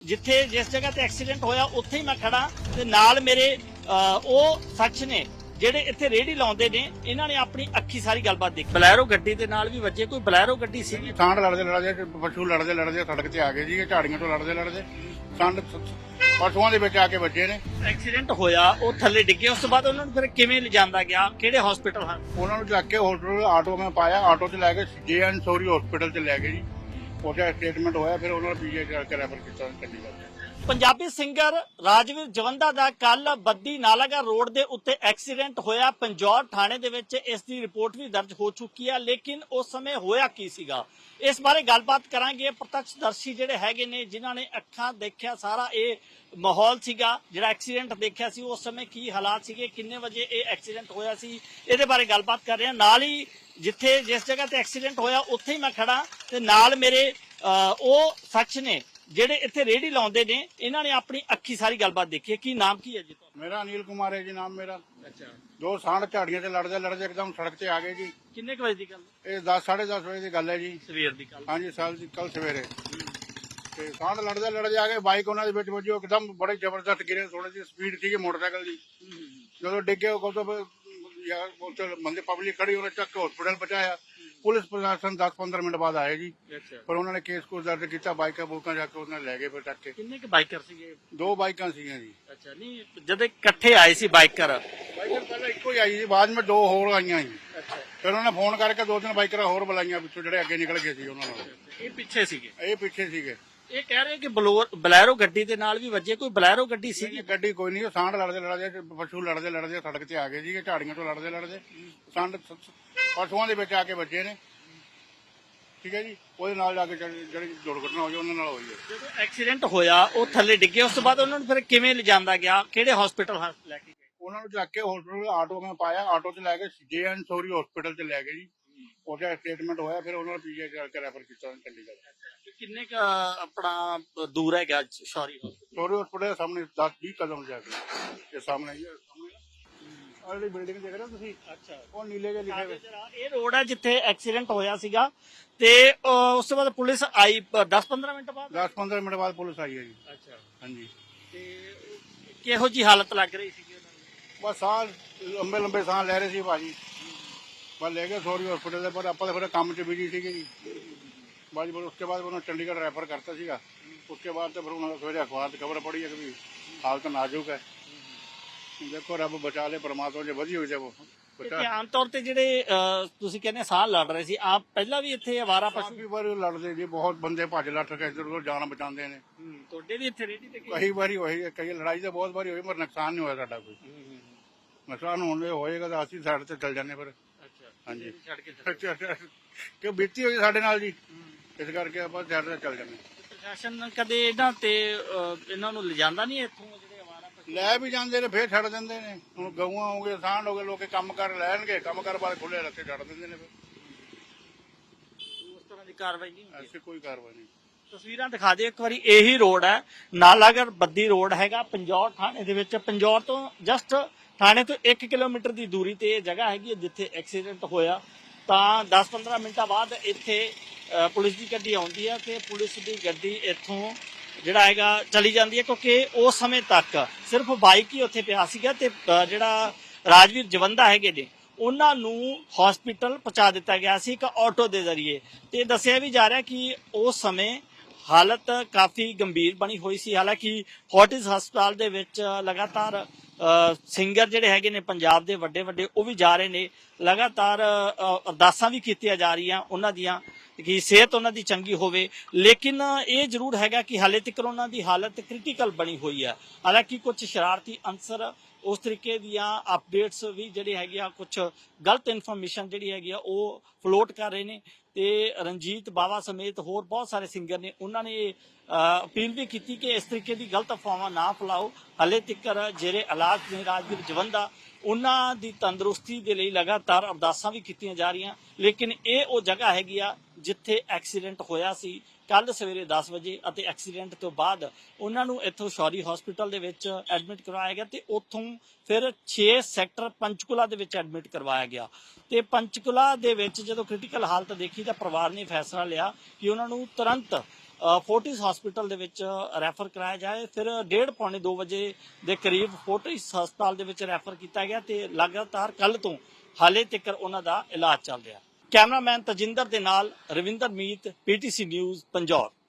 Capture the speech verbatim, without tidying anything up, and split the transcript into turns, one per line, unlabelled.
ਜਿੱਥੇ ਜਿਸ ਜਗ੍ਹਾ ਤੇ ਐਕਸੀਡੈਂਟ ਹੋਇਆ ਉੱਥੇ ਹੀ ਮੈਂ ਖੜਾ ਤੇ ਨਾਲ ਮੇਰੇ ਉਹ ਸ਼ਖਸ ਨੇ ਜਿਹੜੇ ਇੱਥੇ ਰੇਹੜੀ ਲਾਉਂਦੇ ਨੇ। ਇਹਨਾਂ ਨੇ ਆਪਣੀ ਅੱਖੀ ਸਾਰੀ ਗੱਲਬਾਤ ਦੇਖੀ। ਬਲੈਰੋ ਗੱਡੀ ਦੇ ਨਾਲ ਵੀ ਵੱਜੇ। ਕੋਈ ਬਲੈਰੋ ਗੱਡੀ ਸੀ।
ਸਾਂਢ ਲੜਦੇ ਲੜਦੇ ਪਸ਼ੂ ਲੜਦੇ ਲੜਦੇ ਸੜਕ ਤੇ ਆ ਗਏ ਜੀ। ਝਾੜੀਆਂ ਤੋਂ ਲੜਦੇ ਲੜਦੇ ਸੰਡ ਪਸ਼ੂਆਂ ਦੇ ਵਿੱਚ ਆ ਕੇ ਵੱਜੇ ਨੇ।
ਐਕਸੀਡੈਂਟ ਹੋਇਆ, ਉਹ ਥੱਲੇ ਡਿੱਗੇ। ਉਸ ਤੋਂ ਬਾਅਦ ਉਹਨਾਂ ਨੂੰ ਫਿਰ ਕਿਵੇਂ ਲਿਜਾਂਦਾ ਗਿਆ? ਕਿਹੜੇ ਹਸਪੀਟਲ ਹਨ?
ਉਹਨਾਂ ਨੂੰ ਚੱਕ ਕੇ ਹੋਸਪਿਟਲ ਆਟੋ ਮੈਂ ਪਾਇਆ, ਆਟੋ 'ਚ ਲੈ ਕੇ ਜੇ ਐਨ ਸੋਰੀ ਹਸਪੀਟਲ 'ਚ ਲੈ ਗਏ ਜੀ। ਉੱਥੇ ਸਟੇਟਮੈਂਟ ਹੋਇਆ, ਫਿਰ ਉਹਨਾਂ ਨੂੰ ਪੀਜੀ ਕਰਕੇ ਰੈਫਰ ਕੀਤਾ ਚੰਡੀਗੜ੍ਹ।
ਪੰਜਾਬੀ ਸਿੰਗਰ ਰਾਜਵੀਰ ਜਵੰਦਾ ਦਾ ਕੱਲ ਬੱਦੀ ਨਾਲਾਗੜ੍ਹ ਰੋਡ ਦੇ ਉੱਤੇ ਐਕਸੀਡੈਂਟ ਹੋਇਆ। ਪੰਜੌਰ ਥਾਣੇ ਦੇ ਵਿੱਚ ਇਸ ਦੀ ਰਿਪੋਰਟ ਵੀ ਦਰਜ ਹੋ ਚੁੱਕੀ ਹੈ, ਲੇਕਿਨ ਉਸ ਸਮੇਂ ਹੋਇਆ ਕੀ ਸੀਗਾ ਇਸ ਬਾਰੇ ਗੱਲਬਾਤ ਕਰਾਂਗੇ। ਪ੍ਰਤੱਖਦਰਸ਼ੀ ਜਿਹੜੇ ਹੈਗੇ ਨੇ, ਜਿਨ੍ਹਾਂ ਨੇ ਅੱਖਾਂ ਦੇਖਿਆ ਸਾਰਾ ਇਹ ਮਾਹੌਲ ਸੀਗਾ ਜਿਹੜਾ ਐਕਸੀਡੈਂਟ ਦੇਖਿਆ ਸੀ, ਉਸ ਸਮੇਂ ਕੀ ਹਾਲਾਤ ਸੀਗੇ, ਕਿੰਨੇ ਵਜੇ ਇਹ ਐਕਸੀਡੈਂਟ ਹੋਇਆ ਸੀ, ਇਹਦੇ ਬਾਰੇ ਗੱਲਬਾਤ ਕਰ ਰਹੇ ਹਾਂ। ਨਾਲ ਹੀ ਜਿੱਥੇ ਜਿਸ ਜਗ੍ਹਾ ਤੇ ਐਕਸੀਡੈਂਟ ਹੋਇਆ ਉੱਥੇ ਹੀ ਮੈਂ ਖੜਾ ਤੇ ਨਾਲ ਮੇਰੇ ਉਹ ਸ਼ਖਸ ਨੇ ਜਿਹੜੇ ਇੱਥੇ ਰੇਹੜੀ ਲਾਉਂਦੇ ਨੇ। ਇਹਨਾਂ ਨੇ ਆਪਣੀ ਅੱਖੀ ਸਾਰੀ ਗੱਲਬਾਤ ਦੇਖੀ ਹੈ। ਕੀ ਨਾਮ ਕੀ ਹੈ ਜੀ ਤੁਹਾਡਾ?
ਮੇਰਾ ਅਨਿਲ ਕੁਮਾਰ ਹੈ ਜੀ ਨਾਮ ਮੇਰਾ।
ਅੱਛਾ।
ਦੋ ਸਾਂਢ ਝਾੜੀਆਂ 'ਚ ਲੜਦੇ ਲੜਦੇ ਇੱਕਦਮ ਸੜਕ ਤੇ ਆ ਗਏ ਜੀ।
ਕਿੰਨੇ ਕੁ ਵਜੇ ਦੀ ਗੱਲ?
ਇਹ ਦਸ ਸਾਢੇ ਦਸ ਵਜੇ ਦੀ ਗੱਲ ਹੈ ਜੀ।
ਸਵੇਰ ਦੀ ਗੱਲ?
ਹਾਂਜੀ ਸਾਲ ਦੀ ਕੱਲ ਸਵੇਰੇ। ਤੇ ਸਾਂਢ ਲੜਦੇ ਲੜਦੇ ਆ ਗਏ, ਬਾਈਕ ਉਹਨਾਂ ਦੇ ਵਿੱਚ ਵੱਜੀ। ਇੱਕਦਮ ਬੜੇ ਜ਼ਬਰਦਸਤ ਗਿਰੇ, ਥੋੜੀ ਜਿਹੀ ਸਪੀਡ ਸੀਗੀ ਮੋਟਰਸਾਈਕਲ ਦੀ। ਜਦੋਂ ਡਿੱਗੇ ਉਹ ਤੋਂ ਬੰਦੇ ਪਬਲਿਕ ਖੜੀ, ਉਹਨੇ ਚੱਕ ਕੇ ਹਸਪੀਟਲ ਪਹੁੰਚਾਇਆ। ਪੁਲਿਸ ਪ੍ਰਸ਼ਾਸਨ ਦਸ ਪੰਦਰਾਂ ਮਿੰਟ ਬਾਅਦ ਆਏ ਜੀ। ਪਰ ਉਹਨਾਂ ਨੇ ਕੇਸ ਕੁਸ ਦਰਜ ਕੀਤਾ, ਬਾਈਕਾਂ ਬੂਕਾਂ ਜਾ ਕੇ ਉਹਨਾਂ ਲੈ ਗਏ ਫਿਰ ਚੱਕ ਕੇ।
ਕਿੰਨੇ ਕੁ ਬਾਈਕਰ ਸੀਗੇ?
ਦੋ ਬਾਈਕਾਂ ਸੀਗੀਆਂ ਜੀ।
ਅੱਛਾ। ਨਹੀਂ, ਜਦੋਂ ਇਕੱਠੇ ਆਏ ਸੀ ਬਾਈਕਰ?
ਬਾਈਕਰ ਪਹਿਲਾਂ ਇੱਕੋ ਹੀ ਆਈ ਜੀ, ਬਾਅਦ ਵਿੱਚ ਦੋ ਹੋਰ ਆਈਆਂ ਜੀ।
ਅੱਛਾ।
ਫਿਰ ਉਹਨਾਂ ਨੇ ਫੋਨ ਕਰਕੇ ਦੋ ਤਿੰਨ ਬਾਈਕਰਾਂ ਹੋਰ ਬੁਲਾਈਆਂ ਪਿੱਛੋਂ, ਜਿਹੜੇ ਅੱਗੇ ਨਿਕਲ ਗਏ ਸੀ ਉਹਨਾਂ ਨਾਲ।
ਇਹ ਪਿੱਛੇ ਸੀਗੇ?
ਇਹ ਪਿੱਛੇ ਸੀਗੇ।
ਇਹ ਕਹਿ ਰਹੇ ਕਿ ਬਲੈਰੋ ਗੱਡੀ ਦੇ ਨਾਲ ਵੀ ਵੱਜੇ। ਕੋਈ ਬਲੈਰੋ ਗੱਡੀ ਸੀ?
ਗੱਡੀ ਕੋਈ ਨਹੀਂ, ਸਾਂਢ ਲੜਦੇ ਲੜਦੇ ਪਸ਼ੂ ਲੜਦੇ ਲੜਦੇ ਸੜਕ ਤੇ ਆ ਗਏ ਜੀ। ਝਾੜੀਆਂ ਤੋਂ ਲੜਦੇ ਲੜਦੇ ਸੰਡ ਪਸ਼ੂਆਂ ਦੇ ਵਿੱਚ ਆ ਕੇ ਵੱਜੇ ਨੇ। ਠੀਕ ਹੈ ਜੀ। ਉਹਦੇ ਨਾਲ ਜਾ ਕੇ ਜਿਹੜੀ ਦੁਰਘਟਨਾ ਹੋਈ ਉਹਨਾਂ ਨਾਲ ਹੋਈ ਹੈ।
ਜਦੋਂ ਐਕਸੀਡੈਂਟ ਹੋਇਆ ਉਹ ਥੱਲੇ ਡਿੱਗੇ, ਉਸ ਤੋਂ ਬਾਅਦ ਉਹਨਾਂ ਨੂੰ ਫਿਰ ਕਿਵੇਂ ਲਿਜਾਂਦਾ ਗਿਆ? ਕਿਹੜੇ ਹਸਪੀਟਲ ਲੈ ਕੇ ਗਏ?
ਉਹਨਾਂ ਨੂੰ ਚੱਕ ਕੇ ਹੋਸਪਿਟਲ ਆਟੋ ਮੈਂ ਪਾਇਆ, ਆਟੋ 'ਚ ਲੈ ਕੇ ਜੇ ਐਨ ਸੋਰੀ ਹਸਪੀਟਲ 'ਚ ਲੈ ਗਏ ਜੀ। ਉੱਥੇ ਸਟੇਟਮੈਂਟ ਹੋਇਆ, ਫਿਰ ਉਹਨਾਂ ਨੂੰ ਪੀਜੀ ਕਰਕੇ ਰੈਫਰ ਕੀਤਾ ਚੰਡੀਗੜ੍ਹ।
ਕਿੰਨੇ ਕ ਆਪਣਾ ਦੂਰ ਹੈਗਾ ਸੌਰੀ ਹਸਪੀਟਲ?
ਸੋਰੀ ਹਸਪੀਟਲ ਸਾਹਮਣੇ ਦਸ ਵੀਹ ਕਦਮ ਜਾ ਕੇ ਇਹ ਸਾਹਮਣੇ ਹੀ ਹੈ। ਆਹ ਜਿਹੜੀ ਬਿਲਡਿੰਗ ਦੇਖ ਰਹੇ ਹੋ ਤੁਸੀਂ? ਅੱਛਾ। ਉਹ ਨੀਲੇ ਜਿਹੇ ਲਿਖੇ ਹੋਏ।
ਇਹ ਰੋਡ ਹੈ ਜਿੱਥੇ ਐਕਸੀਡੈਂਟ ਹੋਇਆ ਸੀਗਾ। ਤੇ ਉਸ ਤੋਂ ਬਾਅਦ ਪੁਲਿਸ ਆਈ ਦਸ ਪੰਦਰਾਂ ਮਿੰਟ ਬਾਅਦ?
ਦਸ ਪੰਦਰਾਂ ਮਿੰਟ ਬਾਅਦ ਪੁਲਿਸ ਆਈ ਹੈ ਜੀ।
ਅੱਛਾ।
ਹਾਂਜੀ।
ਤੇ ਕਿਹੋ ਜੀ ਹਾਲਤ ਲੱਗ ਰਹੀ ਸੀਗੀ ਉਹਨਾਂ ਨੂੰ?
ਬਸ ਸਾਹ ਲੰਬੇ ਲੰਬੇ ਸਾਹ ਲੈ ਰਹੇ ਸੀ ਭਾਜੀ। ਬਸ ਲੈ ਗਏ ਸੋਰੀ ਹਸਪੀਟਲ ਦੇ, ਪਰ ਆਪਾਂ ਤਾਂ ਫਿਰ ਕੰਮ 'ਚ ਬਿਜੀ ਸੀਗੇ ਜੀ। ਬਾਜੀ ਫਿਰ उसके बाद ਉਹਨਾਂ ਚੰਡੀਗੜ੍ਹ ਰੈਫਰ ਕਰਤਾ ਸੀਗਾ। उसके बाद तो फिर उन्होंने सवेरे अखबार से खबर पड़ी है कि हालत नाजुक है। देखो रब बचा ले, परमात्मा जो वधी हुई है वो बचा।
ਆਮ ਤੌਰ ਤੇ ਜਿਹੜੇ ਤੁਸੀਂ ਕਹਿੰਦੇ ਸਾਹ ਲੜ ਰਹੇ ਸੀ, ਆਪ ਪਹਿਲਾਂ ਵੀ ਇੱਥੇ ਅਵਾਰਾ ਪਸ਼ੂ?
ਕਾਫੀ ਵਾਰੀ ਲੜਦੇ ਜੀ, ਬਹੁਤ ਬੰਦੇ ਭੱਜ ਲੱਠ ਕੇ ਇੱਧਰ ਉੱਧਰ ਜਾਨ ਬਚਾਉਂਦੇ ਨੇ।
ਤੁਹਾਡੇ ਵੀ ਇੱਥੇ ਰੇਹੜੀ ਤੇ?
ਕਈ ਵਾਰੀ ਹੋਈ ਹੈ, ਕਈ ਲੜਾਈ ਤਾਂ ਬਹੁਤ ਵਾਰੀ ਹੋਈ, ਪਰ ਨੁਕਸਾਨ ਨਹੀਂ ਹੋਇਆ ਸਾਡਾ ਕੋਈ। ਨੁਕਸਾਨ ਹੋਣ ਦੇ ਹੋਏਗਾ ਤਾਂ ਅਸੀਂ ਸਾਈਡ ਤੇ ਚੱਲ ਜਾਂਦੇ ਫਿਰ।
ਅੱਛਾ।
ਹਾਂਜੀ।
ਛੱਡ ਕੇ
ਕਿਉਂ ਬੀਤੀ ਹੋਈ ਸਾਡੇ ਨਾਲ ਜੀ, ਇਸ ਕਰਕੇ ਆਪਾਂ ਸਾਈਡ ਤੇ ਚੱਲ ਜਾਂਦੇ।
ਪ੍ਰਸ਼ਾਸਨ ਕਦੇ ਇਹਨਾਂ ਤੇ ਇਹਨਾਂ ਨੂੰ ਲਿਜਾਂਦਾ ਨਹੀਂ ਇੱਥੋਂ? ਜਿਹੜੇ ਅਵਾਰਾ ਪਸ਼ੂ
ਲੈ ਵੀ ਜਾਂਦੇ ਨੇ, ਫੇਰ ਛੱਡ ਦਿੰਦੇ ਨੇ। ਹੁਣ ਗਊਆਂ ਹੋ ਗਏ, ਸਾਂਢ ਹੋ ਗਏ, ਲੋਕੇ ਕੰਮ ਕਰ ਲੈਣਗੇ, ਕੰਮ ਕਰ ਬਾਅਦ ਖੁੱਲੇ ਰੱਖੇ ਛੱਡ ਦਿੰਦੇ ਨੇ। ਫਿਰ
ਉਸ ਤਰ੍ਹਾਂ ਦੀ ਕਾਰਵਾਈ ਨਹੀਂ ਹੁੰਦੀ?
ਐਸੀ ਕੋਈ ਕਾਰਵਾਈ ਨਹੀਂ।
ਤਸਵੀਰਾਂ ਦਿਖਾ ਦਿਓ ਇੱਕ ਵਾਰੀ। ਇਹੀ ਰੋਡ ਹੈ, ਨਾਲਾਗੜ੍ਹ ਬੱਦੀ ਰੋਡ ਹੈਗਾ ਪੰਜੌਰ ਥਾਣੇ ਦੇ ਵਿੱਚ। ਪੰਜੌਰ ਤੋਂ ਜਸਟ ਥਾਣੇ ਤੋਂ ਇੱਕ ਕਿਲੋਮੀਟਰ ਦੀ ਦੂਰੀ ਤੇ ਇਹ ਜਗ੍ਹਾ ਹੈਗੀ ਜਿੱਥੇ ਐਕਸੀਡੈਂਟ ਹੋਇਆ। ਤਾਂ ਦਸ ਪੰਦਰਾਂ ਮਿੰਟਾਂ ਬਾਅਦ ਇੱਥੇ ਪੁਲਿਸ ਦੀ ਗੱਡੀ ਆਉਂਦੀ ਹੈ ਤੇ ਪੁਲਿਸ ਦੀ ਗੱਡੀ ਇੱਥੋਂ ਜਿਹੜਾ ਹੈਗਾ ਚਲੀ ਜਾਂਦੀ ਹੈ, ਕਿਉਂਕਿ ਉਸ ਸਮੇਂ ਤੱਕ ਸਿਰਫ ਬਾਈਕ ਹੀ ਉੱਥੇ ਪਿਆ ਸੀਗਾ। ਤੇ ਜਿਹੜਾ ਰਾਜਵੀਰ ਜਵੰਦਾ ਹੈਗੇ ਨੇ, ਉਹਨਾਂ ਨੂੰ ਹਸਪੀਟਲ ਪਹੁੰਚਾ ਦਿੱਤਾ ਗਿਆ ਸੀ ਇੱਕ ਆਟੋ ਦੇ ਜ਼ਰੀਏ। ਤੇ ਦੱਸਿਆ ਵੀ ਜਾ ਰਿਹਾ ਕਿ ਉਸ ਸਮੇਂ ਹਾਲਤ ਕਾਫੀ ਗੰਭੀਰ ਬਣੀ ਹੋਈ ਸੀ। ਹਾਲਾਂਕਿ ਫੋਰਟਿਸ ਹਸਪਤਾਲ ਦੇ ਵਿੱਚ ਲਗਾਤਾਰ ਸਿੰਗਰ ਜਿਹੜੇ ਹੈਗੇ ਨੇ ਪੰਜਾਬ ਦੇ ਵੱਡੇ ਵੱਡੇ, ਉਹ ਵੀ ਜਾ ਰਹੇ ਨੇ। ਲਗਾਤਾਰ ਅਰਦਾਸਾਂ ਵੀ ਕੀਤੀਆਂ ਜਾ ਰਹੀਆਂ ਉਹਨਾਂ ਦੀਆਂ ਕਿ ਸਿਹਤ ਉਹਨਾਂ ਦੀ ਚੰਗੀ ਹੋਵੇ। ਲੇਕਿਨ ਇਹ ਜ਼ਰੂਰ ਹੈਗਾ ਕਿ ਹਾਲੇ ਤੱਕ ਉਹਨਾਂ ਦੀ ਹਾਲਤ ਕ੍ਰਿਟੀਕਲ ਬਣੀ ਹੋਈ ਹੈ। ਹਾਲਾਂਕਿ ਕੁਝ ਸ਼ਰਾਰਤੀ ਅਨਸਰ ਉਸ ਤਰੀਕੇ ਦੀਆਂ ਅਪਡੇਟਸ ਵੀ ਜਿਹੜੀ ਹੈਗੀ ਆ, ਕੁਝ ਗਲਤ ਇਨਫੋਰਮੇਸ਼ਨ ਜਿਹੜੀ ਹੈਗੀ ਆ ਉਹ ਫਲੋਟ ਕਰ ਰਹੇ ਨੇ। ਤੇ ਰਣਜੀਤ ਬਾਵਾ ਸਮੇਤ ਹੋਰ ਬਹੁਤ ਸਾਰੇ ਸਿੰਗਰ ਨੇ, ਉਹਨਾਂ ਨੇ ਅਪੀਲ ਵੀ ਕੀਤੀ ਕਿ ਇਸ ਤਰੀਕੇ ਦੀ ਗਲਤ ਅਫਵਾਹਾਂ ਨਾ ਫੈਲਾਓ। ਹਾਲੇ ਤੱਕ ਜਿਹੜੇ ਇਲਾਜ ਨੇ ਰਾਜਵੀਰ ਜਵੰਦਾ, ਉਹਨਾਂ ਦੀ ਤੰਦਰੁਸਤੀ ਦੇ ਲਈ ਲਗਾਤਾਰ ਅਰਦਾਸਾਂ ਵੀ ਕੀਤੀਆਂ ਜਾ ਰਹੀਆਂ। ਲੇਕਿਨ ਇਹ ਉਹ ਜਗ੍ਹਾ ਹੈਗੀ ਆ ਜਿੱਥੇ ਐਕਸੀਡੈਂਟ ਹੋਇਆ ਸੀ ਕੱਲ ਸਵੇਰੇ ਦਸ ਵਜੇ। ਅਤੇ ਐਕਸੀਡੈਂਟ ਤੋਂ ਬਾਅਦ ਉਹਨਾਂ ਨੂੰ ਇੱਥੋਂ ਸ਼ੌਰੀ ਹਸਪੀਟਲ ਦੇ ਵਿੱਚ ਐਡਮਿਟ ਕਰਵਾਇਆ ਗਿਆ ਤੇ ਉੱਥੋਂ ਫਿਰ ਛੇ ਸੈਕਟਰ ਪੰਚਕੂਲਾ ਦੇ ਵਿੱਚ ਐਡਮਿਟ ਕਰਵਾਇਆ ਗਿਆ। ਤੇ ਪੰਚਕੂਲਾ ਦੇ ਵਿੱਚ ਜਦੋਂ ਕ੍ਰਿਟੀਕਲ ਹਾਲਤ ਦੇਖੀ ਤਾਂ ਪਰਿਵਾਰ ਨੇ ਫੈਸਲਾ ਲਿਆ ਕਿ ਉਹਨਾਂ ਨੂੰ ਤੁਰੰਤ ਫੋਰਟਿਸ ਹਸਪੀਟਲ ਦੇ ਵਿੱਚ ਰੈਫਰ ਕਰਾਇਆ ਜਾਏ। ਫਿਰ ਡੇਢ ਪੌਣੇ ਦੋ ਵਜੇ ਦੇ ਕਰੀਬ ਫੋਰਟਿਸ ਹਸਪਤਾਲ ਦੇ ਵਿੱਚ ਰੈਫਰ ਕੀਤਾ ਗਿਆ ਤੇ ਲਗਾਤਾਰ ਕੱਲ ਤੋਂ ਹਾਲੇ ਤੱਕ ਉਹਨਾਂ ਦਾ ਇਲਾਜ ਚੱਲ ਰਿਹਾ। ਕੈਮਰਾਮੈਨ ਤਜਿੰਦਰ ਦੇ ਨਾਲ ਰਵਿੰਦਰ ਮੀਤ, ਪੀਟੀਸੀ ਨਿਊਜ਼, ਪੰਜੌਰ।